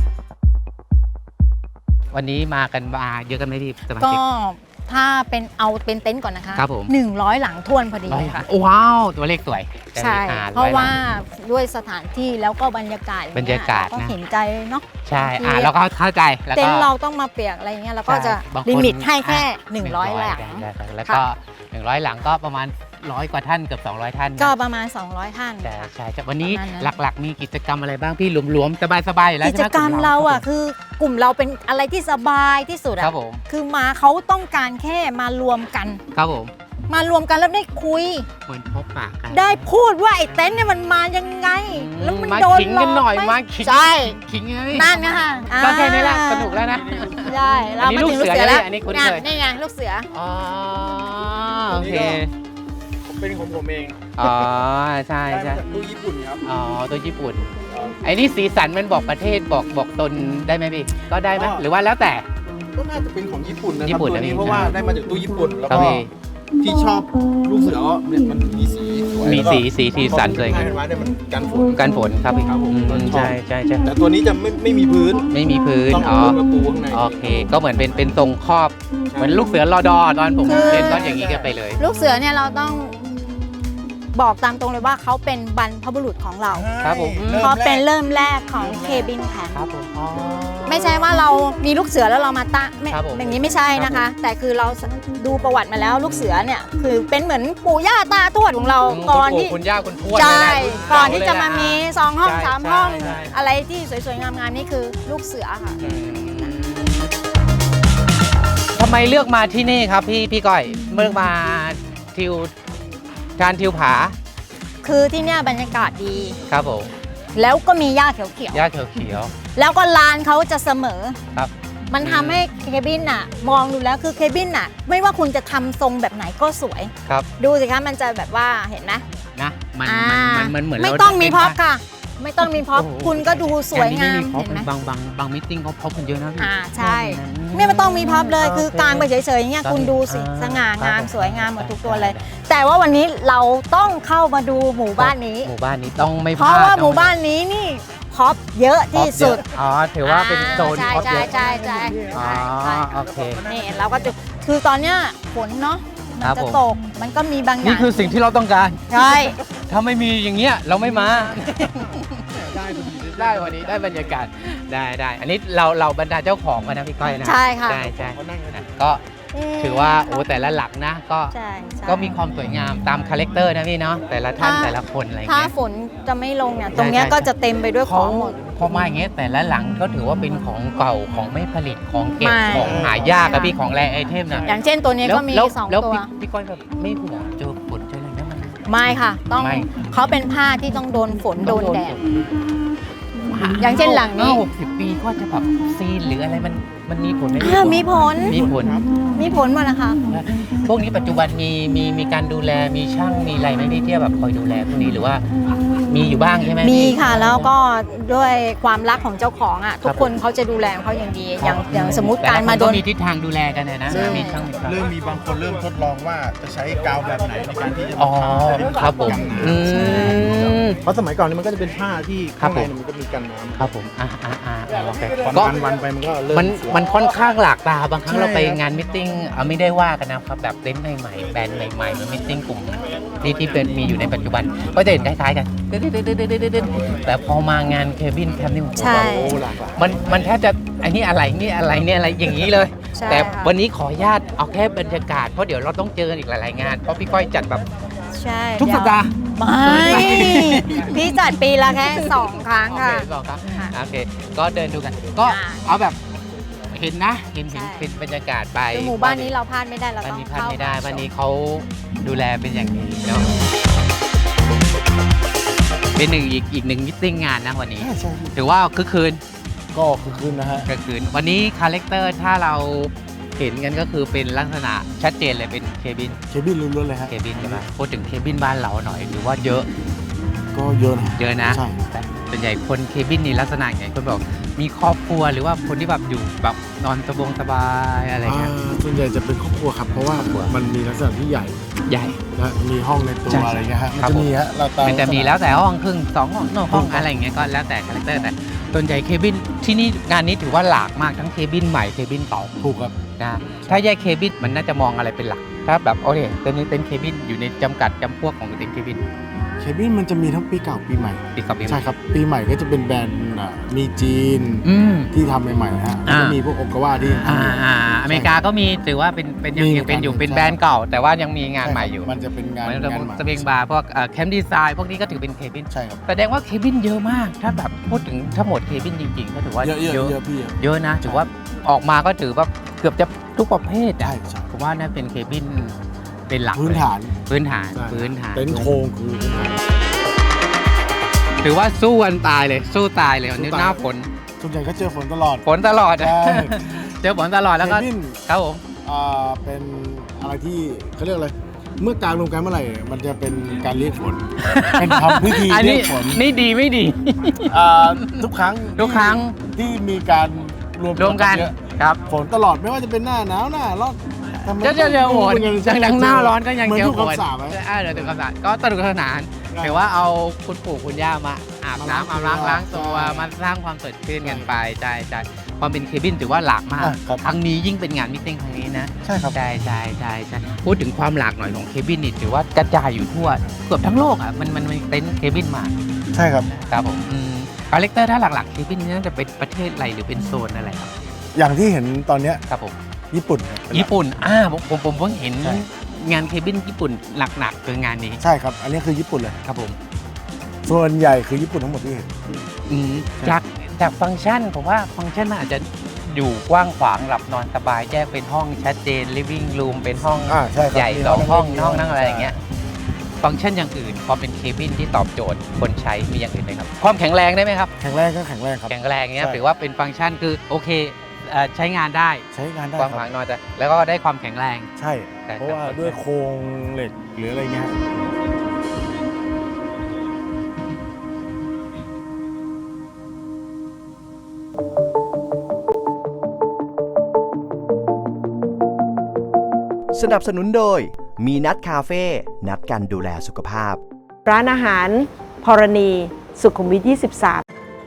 Speaker 4: วันนี้มากันมาเยอะกันไหมพี่สมาชิก
Speaker 3: ก็ถ้าเป็นเอาเป็นเต็นท์ก่อนนะคะ
Speaker 4: ครับผม
Speaker 3: หนึ่งร้อยหลังทวนพอดีค่ะ
Speaker 4: ว้าวตัวเลขสวย
Speaker 3: ใช่เพราะว่าด้วยสถานที่แล้วก็บรรยากาศ
Speaker 4: บรรยากาศ
Speaker 3: ก็
Speaker 4: นะ
Speaker 3: เห็นใจเนาะ
Speaker 4: ใช่อ่าแล้วก็เข้าใจแล้วก็
Speaker 3: เต็นท์เราต้องมาเปียกอะไรเงี้ยแล้วก็จะ
Speaker 4: บางคน
Speaker 3: ลิมิตให้แค่
Speaker 4: อ่ะ
Speaker 3: หนึ่งร้อยหลัง
Speaker 4: แล้วก็หนึ่งร้อยหลังก็ประมาณร้อยกว่าท่านเกือบสองร้อยท่านนะ
Speaker 3: ก็ประมาณ สองร้อย ท่าน
Speaker 4: แต่
Speaker 3: ค่ะ
Speaker 4: ใช่ใช่วันนี้
Speaker 3: ประมาณนั้น
Speaker 4: หลักๆ มีกิจกรรมอะไรบ้างพี่หลวมๆสบายๆอยู่แล้ว
Speaker 3: กิ
Speaker 4: ใช่
Speaker 3: จ
Speaker 4: ไหม
Speaker 3: กรรมเราอ่ะคือกลุ่มเราเป็นอะไรที่สบายที่สุด
Speaker 4: ค
Speaker 3: อ่ะ
Speaker 4: รับผม
Speaker 3: คือมาเขาต้องการแค่มารวมกัน
Speaker 4: ครับผม
Speaker 3: มารวมกันแล้วได้คุย
Speaker 4: เหมือนพบปะกัน
Speaker 3: ได้พูดว่าไอ้เต็นท์เนี่ยมันมายังไง แล้วมัน
Speaker 4: มา
Speaker 3: โดน
Speaker 4: ขิง
Speaker 3: หล
Speaker 4: กั
Speaker 3: อน ก
Speaker 4: หน่อย
Speaker 3: ไห
Speaker 4: มาขิง
Speaker 3: ใช่
Speaker 4: ขิงไง
Speaker 3: นั่นไงค่ะ
Speaker 4: ก็แค่นี้แหละ
Speaker 3: อ่า
Speaker 4: สนุกแล้วนะ
Speaker 3: ใช่เรา
Speaker 4: อันนี้
Speaker 3: มาถึง
Speaker 4: ลู
Speaker 3: ลู
Speaker 4: ก
Speaker 3: ก
Speaker 4: เสื
Speaker 3: เสื
Speaker 4: อ
Speaker 3: อแล้ว
Speaker 4: เนี่ยอันนี้คุ้น
Speaker 3: เนี่ย
Speaker 4: เคย
Speaker 3: นี่ไงลูกเสือ
Speaker 4: อ๋อโอเค
Speaker 2: เป็นของผมเอง
Speaker 4: อ๋อใช่
Speaker 2: ได้
Speaker 4: ใช่
Speaker 2: มาจากตู้ญี่ปุ่นครับ
Speaker 4: อ๋อตัวญี่ปุ่นไอ้นี่สีสันมันบอกประเทศบอกบอกตนได้ไหมพี่ก็ได้ไหม
Speaker 2: ก็
Speaker 4: หรือว่าแล้วแต่
Speaker 2: ก็น่าจะเป็นของญี่ปุ่นนะค
Speaker 4: ญี่
Speaker 2: รับ
Speaker 4: ปุ่น
Speaker 2: ตัว
Speaker 4: นะ
Speaker 2: นี้
Speaker 4: พี่
Speaker 2: เพราะว่าได้มาจากตู้ญี่ปุ่นแล้ว
Speaker 4: ครับ
Speaker 2: ก็
Speaker 4: พี่
Speaker 2: ที่ชอบลูกเสือเนี่ยมันมีสีสวย
Speaker 4: มี
Speaker 2: แล้วก็
Speaker 4: สีสีสีสันสวย
Speaker 2: พอ
Speaker 4: กัน
Speaker 2: เห็นว่าเนี่ยมันกันฝน
Speaker 4: กันฝนครับพี่
Speaker 2: ครับผม
Speaker 4: อืมใช่ใช่ใช่
Speaker 2: แต่ตัวนี้จะไม่ไม่มีพื้น
Speaker 4: ไม่มีพื้น
Speaker 2: ต้อง
Speaker 4: อ๋
Speaker 2: เอา
Speaker 4: อ
Speaker 2: พื้นมาปูข้างใน
Speaker 4: โอเค ก็เหมือนเป็นเป็นทรงครอบ เหมือนลูกเสือรอดอตอนผม
Speaker 3: คือ
Speaker 4: เรียนก็อย่างนี้กันไปเลย
Speaker 3: ลูกเสือเนี่ยเราต้องบอกตามตรงเลยว่าเขาเป็นบรรพบุรุษของเรา
Speaker 4: ครับผม
Speaker 3: เขาเป็นเริ่มแรกของเคบินแพน
Speaker 4: ครับผมอ๋อ
Speaker 3: ไม่ใช่ว่าเรามีลูกเสือแล้วเรามาตั้งไม่
Speaker 4: ครับผม
Speaker 3: อย่างนี้ไม่ใช่นะคะ แต่คือเราดูประวัติมาแล้วลูกเสือเนี่ยคือเป็นเหมือนปู่ย่าตาทวดของเรา
Speaker 4: คุณ
Speaker 3: ก่อน
Speaker 4: ปู่
Speaker 3: ที่
Speaker 4: คุณย่าคุณทวด
Speaker 3: ใช่
Speaker 4: เลยแหละ
Speaker 3: ก่อนที่จะมามี
Speaker 4: เก่
Speaker 3: สองห้อง
Speaker 4: ใช่
Speaker 3: สามห้อง
Speaker 4: ใช่ใช่
Speaker 3: อะไรที่สวยๆงามๆนี่คือลูกเสือค่ะ
Speaker 4: อืมทำไมเลือกมาที่นี่ครับพี่พี่ก้อยเลือกมาทิวทานทิวผา
Speaker 3: คือที่เนี่ยบรรยากาศดี
Speaker 4: ครับผม
Speaker 3: แล้วก็มีหญ้าเขียว
Speaker 4: หญ้าเขียว
Speaker 3: ๆแล้วก็ลานเขาจะเสมอ
Speaker 4: ครับ
Speaker 3: มันทำให้เคบินน่ะ มองดูแล้วคือเคบินน่ะ ไม่ว่าคุณจะทำทรงแบบไหนก็สวย
Speaker 4: ๆครับ
Speaker 3: ดูสิคะมันจะแบบว่าเห็นไหม
Speaker 4: นะมัน
Speaker 3: อ่า
Speaker 4: มันมันมันเหมือน
Speaker 3: ไม่
Speaker 4: เรา
Speaker 3: ต้องมี
Speaker 4: เล่น
Speaker 3: พ็อป
Speaker 4: บ้าน
Speaker 3: ค่ะ ไม่ต้องมีพ็อป
Speaker 4: โอ้โห
Speaker 3: คุณก็ดูสวยงาม
Speaker 4: แต่อั
Speaker 3: เห็นไหม
Speaker 4: บางบางบางมิทติ้งเขาพบกันเยอะนะพี่
Speaker 3: อ่าใช่ไม่ไม่ต้องมีพ็อปเลยคือกางไปเฉยๆอย่างเงี้ยคุณดูสิ
Speaker 4: อ่า
Speaker 3: สง่างาม
Speaker 4: ครับ
Speaker 3: สวยงามหมดทุกตัวเลย แต่ว่าวันนี้เราต้องเข้ามาดูหมู่บ้านนี้
Speaker 4: หมู่บ้านนี้ต้องไม่พ
Speaker 3: เพ
Speaker 4: ลาด
Speaker 3: ราะว่า
Speaker 4: ต้อง
Speaker 3: หมู่บ้านนี้นี่พ็อปเยอะที่สุด
Speaker 4: อ๋อถือว่าเป็นโซน
Speaker 3: ใช่
Speaker 4: พ็อปเย
Speaker 3: ใช่
Speaker 4: อะ
Speaker 3: ใช่ใช่
Speaker 4: อ๋อ
Speaker 3: ใช่
Speaker 4: โอเค
Speaker 3: นี่เราก็จะคือตอนเนี้ยฝนเนาะมัน
Speaker 4: ครับ
Speaker 3: จะ
Speaker 4: ผม
Speaker 3: ตกมันก็มีบางอ
Speaker 4: นี่
Speaker 3: ย่าง
Speaker 4: คือสิ่งที่เราต้องการ
Speaker 3: ใช่
Speaker 4: ถ้าไม่มีอย่างเงี้ยเราไม่มา ได้วันนี้ได้บรรยากาศได้ได้อันนี้เราเราบรรดาเจ้าของกันนะพี่ก้อยนะ
Speaker 3: ใช่ค่ะ
Speaker 4: ใช่ใช่นะก็ถือว่าโอ้แต่ละหลักนะก็
Speaker 3: ใช่ใช่
Speaker 4: ก็มีความสวยงามตามคาแรคเตอร์นะพี่เนาะแต่ละท่าน
Speaker 3: ถ้า
Speaker 4: แต่ละคนอะไร
Speaker 3: ถ้า
Speaker 4: เงี้ย
Speaker 3: ฝนจะไม่ลงเนี่ยตรงเนี้ย
Speaker 4: ใช่
Speaker 3: ก็จะเต็มไปด้วยข
Speaker 4: เขา
Speaker 3: องหมด
Speaker 4: พอมาอย่างเงี้ยแต่ละหลังก็ถือว่าเป็นของเก่าของไม่ผลิตของเก็บ
Speaker 3: ไม่
Speaker 4: ของหายากอะพี่ของแรไอเทมนะ
Speaker 3: อย่างเช่นตัวนี้ก็มี
Speaker 4: แล้ว
Speaker 3: สอง
Speaker 4: แล้ว
Speaker 3: ตัว
Speaker 4: พี่พี่ก้อยแบบไม่ห่วงเจอฝนเจออะไรนะมัน
Speaker 3: ไม่ค่ะ ต้อง
Speaker 4: ไม่
Speaker 3: เขาเป็นผ้าที่ต้องโดนฝนโดนแดด
Speaker 4: ฝน
Speaker 3: อย่างเช่นหลังนี้
Speaker 4: ห้าหกสิบปีก็จะแบบซีนหรืออะไรมันมันมีผลไหม
Speaker 3: อ่ามีผล
Speaker 4: มีผล
Speaker 3: มีผลหมดนะคะ
Speaker 4: พวกนี้ปัจจุบันมีมีมีการดูแลมีช่างมีอะไรไหมพี่ที่แบบคอยดูแลพวกนี้หรือว่ามีอยู่บ้างใช่ไหม
Speaker 3: มี
Speaker 4: พี่
Speaker 3: ค่ะแล้วก็ด้วยความรักของเจ้าของอ่ะทุกคนเขาจะดูแลของเขาอย่างดี อย่างอย่างสมมติการมาโดน
Speaker 4: แต่ละคนก็มีทิศทางดูแลกันนะนะ
Speaker 3: ใช่
Speaker 4: มีช่างมีช่าง
Speaker 2: เริ่มมีบางคนเริ่มทดลองว่าจะใช้กาวแบบไหนในการที่จะ
Speaker 4: อ๋อ
Speaker 2: ทำ
Speaker 4: ครับผม
Speaker 2: กันน้
Speaker 4: อืม
Speaker 2: ำเพราะสมัยก่อนนี่มันก็จะเป็นผ้าที่
Speaker 4: ครั
Speaker 2: ข้า
Speaker 4: บ
Speaker 2: ง
Speaker 4: ผม
Speaker 2: ในมันก็มีกันน้ำ
Speaker 4: ครับผมอ่าอ่าอ่าโอเค
Speaker 2: วัน
Speaker 4: ก็
Speaker 2: วันวันไปมันก็เริ่ม
Speaker 4: มัน
Speaker 2: เสีย
Speaker 4: มันค่อนข้างหลากตาบางครั้ง
Speaker 2: ใช่
Speaker 4: เราไป
Speaker 2: ครับ
Speaker 4: งานมิทติ้งเอาไม่ได้ว่ากันนะครับแบบเต็นท์ใหม่ๆแบรนด์ใหม่ๆมันมิทติ้งกลุ่มที่ที่เป็นมีอยู่ในปัจจุบันก็จะเห็นคล้ายๆกันแต่พอมางานเคบินแคมป์นี่โอ้โห
Speaker 3: ใช่
Speaker 2: โอ้หลากหลาย
Speaker 4: มันมันแทบจะอันนี้อะไรนี่อะไรเนี่ยอะไรอย่างนี้เลย
Speaker 3: ใช่
Speaker 4: แต่
Speaker 3: ค่ะ
Speaker 4: วันนี้ขออนุญาตเอาแค่บรรยากาศเพราะเดี๋ยวเราต้องเจอกันอีกหลายๆงานเพราะพี่ก้อยจัดแบบ
Speaker 3: ใช่
Speaker 4: ทุกสัปดาห์
Speaker 3: ไม่พี่จัดปีละแค่สองครั้ง
Speaker 4: โอเค
Speaker 3: ค่ะ
Speaker 4: บอกครับ
Speaker 3: ค่ะ
Speaker 4: โอเค ก็เดินดูกัน ก็
Speaker 3: อ่า
Speaker 4: เอาแบบเห็นนะเห็นเห็น
Speaker 3: ใช่
Speaker 4: เป็นบรรยากาศไป
Speaker 3: คือหมู่บ้านนี้เราพลาดไม่ได้เรา
Speaker 4: บ้าน
Speaker 3: ต้อง
Speaker 4: นี้พลาด
Speaker 3: เข้า
Speaker 4: ไม่ได้
Speaker 3: มา
Speaker 4: บ้านนี้
Speaker 3: ชม
Speaker 4: เขาดูแลเป็นอย่างดีเนาะเป็นหนึ่งอีกอีกหนึ่งมิทติ้งงานนะวันนี้
Speaker 2: ใช่
Speaker 4: ถือว่าคึกคืน
Speaker 2: ก็คือคืนนะฮะ
Speaker 4: คึกคืนวันนี้คาแรคเตอร์ถ้าเราเห็นกันก็คือเป็นลักษณะชัดเจนเลยเป็นเคบิน
Speaker 2: เคบินล้วนๆเลยฮะ
Speaker 4: เคบินใช่ไหมพูดถึงเคบินบ้านเราหน่อยหรือว่าเยอะ
Speaker 2: ก็เยอะนะ
Speaker 4: เยอะนะ
Speaker 2: ใช่
Speaker 4: แต่ส่วนใหญ่คนเคบินนี่ลักษณะไงคนบอกมีครอบครัวหรือว่าคนที่แบบอยู่แบบนอนสบงสบายอะไรเงี้ย
Speaker 2: อ่าส่วนใหญ่จะเป็นครอบครัวครับ เพราะว่า
Speaker 4: ครอบครัว
Speaker 2: มันมีลักษณะที่ใหญ่
Speaker 4: ใหญ่
Speaker 2: และมีห้องในตัว
Speaker 4: ใช่
Speaker 2: อะไรเงี้ยฮะ มัน
Speaker 4: ครับ
Speaker 2: จะ
Speaker 4: ผม
Speaker 2: มีฮะเราตาม
Speaker 4: มันจะมีแล้วแต่ห้องครึ่งสองห้องนอกห้อง
Speaker 2: ครับ
Speaker 4: อะไรอย่างเงี้ยก็แล้วแต่คาแรคเตอร์แต่ส่วนใหญ่เคบินที่นี่งานนี้ถือว่าหลากมากทั้งเคบินใหม่เคบินเก่า
Speaker 2: ถูกครับ
Speaker 4: นะถ้าแยกเคบินมันน่าจะมองอะไรเป็นหลักถ้าแบบโอเคเต็นท์นี้เต็นท์เคบินอยู่ในจำกัดจำพวกของเต็นท์เคบิน
Speaker 7: เคบินมันจะมีทั้งปีเก่าปีใหม่
Speaker 4: ปีกับปีใหม่
Speaker 7: ใช่ครับปีใหม่ก็จะเป็นแบรนด์อ่ะมีจีน
Speaker 4: อืม
Speaker 7: ที่ทำใหม่ๆนะฮะแล้วก็
Speaker 4: อ่ามี
Speaker 7: มีพวกโอกาวาที่
Speaker 4: อ่าอ่าอเมริกาก็มีถือว่าเป็นเป็นยัง
Speaker 7: มี
Speaker 4: ยังเป็นอยู่
Speaker 7: เหมือนกัน
Speaker 4: เป็นแบรนด์เก่า แต่ว่ายังมีงาน
Speaker 7: ช่
Speaker 4: ใหม่
Speaker 7: ครับ
Speaker 4: อยู่
Speaker 7: มันจะเป็นงาน
Speaker 4: เหมือน
Speaker 7: งานใหม่
Speaker 4: สปริงบาร์พวกแคมป์ดีไซน์พวกนี้ก็ถือเป็นเคบิน
Speaker 7: ใช่ครับ
Speaker 4: แสดงว่าเคบินเยอะมาก ถ้าแบบพูดถึงทั้งหมดเคบินจริงๆก็ถือว่า
Speaker 7: เยอะเยอะเยอะพี่เยอะ
Speaker 4: เยอะนะถือว่าออกมาก็ถือว่าเกือบจะทุกประเภท
Speaker 7: ใช่
Speaker 4: อะ
Speaker 7: ใช่
Speaker 4: ผมว่านั่นเป็นเคบินเป็นหลัก
Speaker 7: พื้นฐาน
Speaker 4: เลยพื้นฐาน
Speaker 7: ใช่
Speaker 4: พื้นฐาน
Speaker 7: เต็นท์โครงคือพื้นฐาน
Speaker 4: ถือว่าสู้วันตายเลยสู้ตายเลยวันนี้
Speaker 7: สู้ตาย
Speaker 4: หน้าฝน
Speaker 7: ส่วนใหญ่ก็เจอฝนตลอด
Speaker 4: ฝนตลอดอะ
Speaker 7: ใช่
Speaker 4: เจอฝนตลอดแล้วก็
Speaker 7: เคบิน
Speaker 4: ครับผม
Speaker 7: อ่าเป็นอะไรที่เขาเรียกอะไรเมื่อกลางรวมกันเมื่อไหร่มันจะเป็นการเรียกฝน เป็นทำพิธี
Speaker 4: อัน
Speaker 7: เรี
Speaker 4: นี้
Speaker 7: ยกฝน
Speaker 4: นี่ดีไม่ดี
Speaker 7: อ่าทุกครั้ง
Speaker 4: ทุกครั้ง
Speaker 7: ที่มีการรวม
Speaker 4: รวมกัน
Speaker 7: เยอะ
Speaker 4: ครับ
Speaker 7: ฝนตลอดไม่ว่าจะเป็นหน้าหนาวหน้าร้อนทำไม
Speaker 4: เจ้าเจ้าเจ้าโหด
Speaker 7: มันยัง
Speaker 4: จังดังหน้าร้อนก็ยัง
Speaker 7: เหมือน
Speaker 4: เจอ
Speaker 7: ทุก
Speaker 4: ฝน
Speaker 7: คำสาปไหม
Speaker 4: อ่าเดี๋ยวถึงคำสาปก็สนุกสนาน
Speaker 7: ใช่
Speaker 4: ถือว่าเอาคุณปู่คุณย่ามาอาบ
Speaker 7: มาล้าง
Speaker 4: น้ำอาบล้าง
Speaker 7: ตัว
Speaker 4: ล้างตัว
Speaker 7: ใช่
Speaker 4: มาสร้างความสดชื่นกันไปใช่ใช่ความเป็นเคบินถือว่าหลากมาก
Speaker 7: อ่ะครับ
Speaker 4: ครั้งนี้ยิ่งเป็นงานมิทติ้งครั้งนี้นะ
Speaker 7: ใช่ครับ
Speaker 4: ใช่ใช่ใช่ใช่พูดถึงความหลากหน่อยของเคบินนี่ถือว่ากระจายอยู่ทั่วเกือบทั้งโลกอ่ะมันมันมีเต็นท์เคบินมา
Speaker 7: ใช่ครับ
Speaker 4: ครับผมคาแรคเตอร์ถ้าหลักๆเคบินนี่น่าจะเป็นประเทศอะไรหรือเป็นโซนอะไรครับ
Speaker 7: อย่างที่เห็นตอนเนี้ย
Speaker 4: ครับผม
Speaker 7: ญี่ปุ่นครับ
Speaker 4: ญี่ปุ่นอ่าผมผมผมเพิ่งเห็น
Speaker 7: ใช่
Speaker 4: งานเคบินญี่ปุ่นหนักๆคืองานนี้
Speaker 7: ใช่ครับ อันนี้คือญี่ปุ่นเลย
Speaker 4: ครับผม
Speaker 7: ส่วนใหญ่คือญี่ปุ่นทั้งหมดที่เห็น
Speaker 4: อืมจากจากฟังก์ชันผมว่าฟังก์ชันมันอาจจะอยู่กว้างขวางหลับนอนสบายแยกเป็นห้องชัดเจน living room เป็นห้อง
Speaker 7: อ่าใช่ครับ
Speaker 4: ใหญ่
Speaker 7: มี
Speaker 4: สองห้อง
Speaker 7: มี
Speaker 4: ห้องนั่งอะไรอย่างเงี้ยฟังก์ชันอย่างอื่นความเป็นเคบินที่ตอบโจทย์คนใช้มีอย่างอื่นไหมครับความแข็งแรงได้ไหมครับ
Speaker 7: แข็งแรงก็แข็งแรงครับ
Speaker 4: แข็งแรงเงี้ย
Speaker 7: ใช่
Speaker 4: ถือว่าเป็นฟังก์ชันคือโอเคเอ่อใช้งานได้
Speaker 7: ใช้งานได้
Speaker 4: กว้าง
Speaker 7: ค
Speaker 4: ขวา
Speaker 7: รั
Speaker 4: ง
Speaker 7: บ
Speaker 4: นอนแต่แล้วก็ได้ความแข็งแรง
Speaker 7: ใช่
Speaker 4: ใช่ครับ
Speaker 7: เพราะว่าด้วยโครงเหล็กหรืออะไรเงี้ย
Speaker 6: สนับสนุนโดยมีนัดคาเฟ่นัดกันดูแลสุขภาพ
Speaker 8: ร้านอาหารพรณี สุขุมวิท ยี่สิบสาม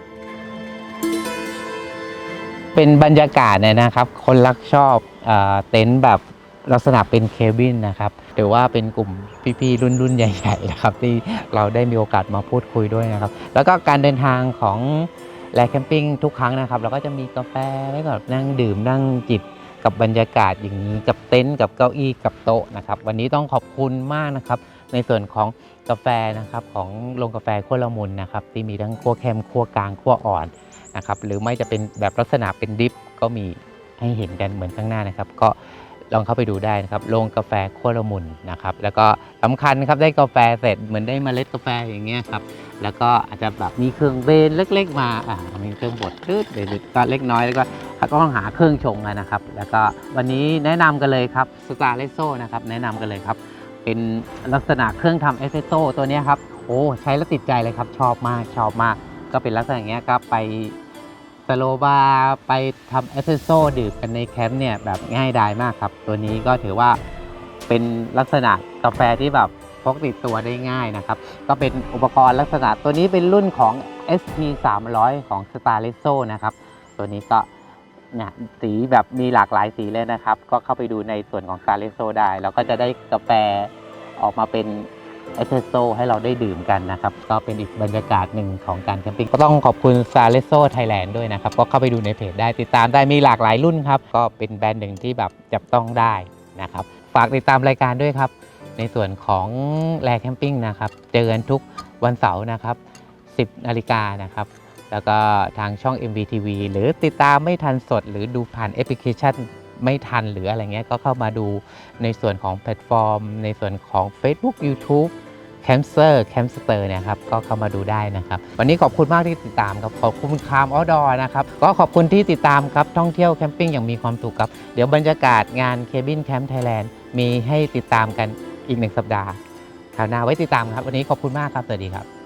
Speaker 4: เป็นบรรยากาศเนี่ยนะครับคนรักชอบเอ่อเต็นท์แบบลักษณะเป็นเคบินนะครับหรือว่าเป็นกลุ่มพี่ๆรุ่นรุ่นใหญ่ๆนะครับที่เราได้มีโอกาสมาพูดคุยด้วยนะครับแล้วก็การเดินทางของแลแคมปิ้งทุกครั้งนะครับเราก็จะมีกาแฟแล้วก็นั่งดื่มนั่งจิบกับบรรยากาศอย่างนี้กับเต็นท์กับเก้าอี้กับโต๊ะนะครับวันนี้ต้องขอบคุณมากนะครับในส่วนของกาแฟนะครับของโรงกาแฟขั้วละมุนนะครับที่มีทั้งขั้วเข้มขั้วกลางขั้วอ่อนนะครับหรือไม่จะเป็นแบบลักษณะเป็นดริปก็มีให้เห็นกันเหมือนข้างหน้านะครับก็ลองเข้าไปดูได้นะครับโรงกาแฟขั้วละมุนนะครับแล้วก็สำคัญครับได้กาแฟเสร็จเหมือนได้เมล็ดกาแฟอย่างเงี้ยครับแล้วก็อาจจะแบบมีเครื่องเบนเล็กๆมาอ่ามีเครื่องบดตืดหรือก็เล็กน้อยแล้วก็ก็ต้องหาเครื่องชงกันนะครับแล้วก็วันนี้แนะนำกันเลยครับสตาร์เลโซ่นะครับแนะนำกันเลยครับเป็นลักษณะเครื่องทำเอสเปรสโซ่ตัวนี้ครับโอ้ใช้แล้วติดใจเลยครับชอบมากชอบมากก็เป็นลักษณะอย่างเงี้ยก็ไปสโลบาร์ไปทำเอสเปรสโซ่ดื่มกันในแคมป์เนี่ยแบบง่ายดายมากครับตัวนี้ก็ถือว่าเป็นลักษณะกาแฟที่แบบพกติดตัวได้ง่ายนะครับก็เป็นอุปกรณ์ลักษณะตัวนี้เป็นรุ่นของ เอส พี สามร้อย ของ Starlesso นะครับตัวนี้ก็เนี่ยสีแบบมีหลากหลายสีเลยนะครับก็เข้าไปดูในส่วนของ Starlesso ได้แล้วก็จะได้กาแฟออกมาเป็นเอสเปรสโซ่ให้เราได้ดื่มกันนะครับก็เป็นอีกบรรยากาศหนึ่งของการแคมปิ้งก็ต้องขอบคุณ Starlesso Thailand ด้วยนะครับก็เข้าไปดูในเพจได้ติดตามได้มีหลากหลายรุ่นครับก็เป็นแบรนด์หนึ่งที่แบบจับต้องได้นะครับฝากติดตามรายการด้วยครับในส่วนของแลแคมปิ้งนะครับเจอกันทุกวันเสาร์นะครับสิบนาฬิกานะครับแล้วก็ทางช่อง เอ็ม วี ที วี หรือติดตามไม่ทันสดหรือดูผ่านแอปพลิเคชันไม่ทันหรืออะไรเงี้ยก็เข้ามาดูในส่วนของแพลตฟอร์มในส่วนของ Facebook YouTube แคมเซอร์แคมสเตอร์นะครับก็เข้ามาดูได้นะครับวันนี้ขอบคุณมากที่ติดตามครับขอบคุณคามออดอร์นะครับก็ขอบคุณที่ติดตามครับท่องเที่ยวแคมปิ้งอย่างมีความสุขครับเดี๋ยวบรรยากาศงานเคบินแคมป์ไทยแลนด์มีให้ติดตามกันอีกหนึ่งสัปดาห์คราวหน้าไว้ติดตามครับวันนี้ขอบคุณมากครับสวัสดีครับ